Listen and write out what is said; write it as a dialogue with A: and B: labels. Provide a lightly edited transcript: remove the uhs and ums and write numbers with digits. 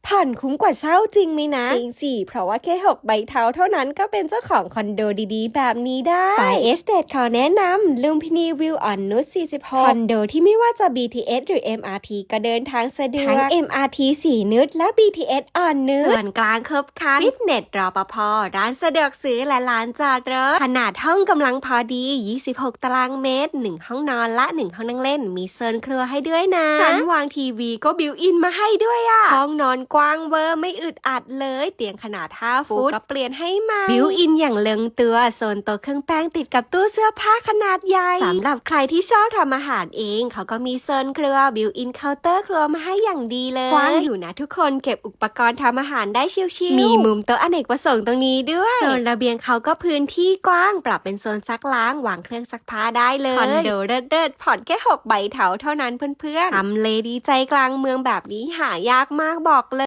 A: ผ่อนคุ้มกว่าเช่าจริงไหมนะจริงสิเพราะว่าแค่6ใบเท้าเท่านั้นก็เป็นเจ้าของคอนโดดีๆแบบนี้ได้ฝ่ายเอสเตทขอแนะนำลุมพินีวิวอ่อนนุช46คอนโดที่ไม่ว่าจะ BTS หรือ MRT ก็เดินทางสะดวกทั้ง MRT สีนุชและ BTS อ่อนนุชส่วนกลางครบครันฟิตเนสรปภร้านสะดวกซื้อและร้านจอดรถขนาดห้องกำลังพอดี26ตารางเมตร1ห้องนอนและ1ห้องนั่งเล่นมีโซนครัวให้ด้วยนะชั้นวางทีวีก็บิวอินมาให้ด้วยอ่ะห้องนอนกว้างเวอร์ไม่อึดอัดเลยเตียงขนาด5 ฟุตก็เปลี่ยนให้ใหม่บิวอินอย่างลงตัวโซนโต๊ะเครื่องแป้งติดกับตู้เสื้อผ้าขนาดใหญ่สำหรับใครที่ชอบทำอาหารเองเขาก็มีโซนครัวบิวอินเคาน์เตอร์ครัวมาให้อย่างดีเลยกว้างอยู่นะทุกคนเก็บอุปกรณ์ทำอาหารได้ชิวๆมีมุมโต๊ะอเนกประสงค์ตรงนี้ด้วยโซนระเบียงเขาก็พื้นที่กว้างปรับเป็นโซนซักล้างวางเครื่องซักผ้าได้เลยคอนโดเลิศๆผ่อนแค่6ใบเถาเท่านั้นเพื่อนๆทำเลดีใจกลางเมืองแบบนี้หายากมากบอกเลย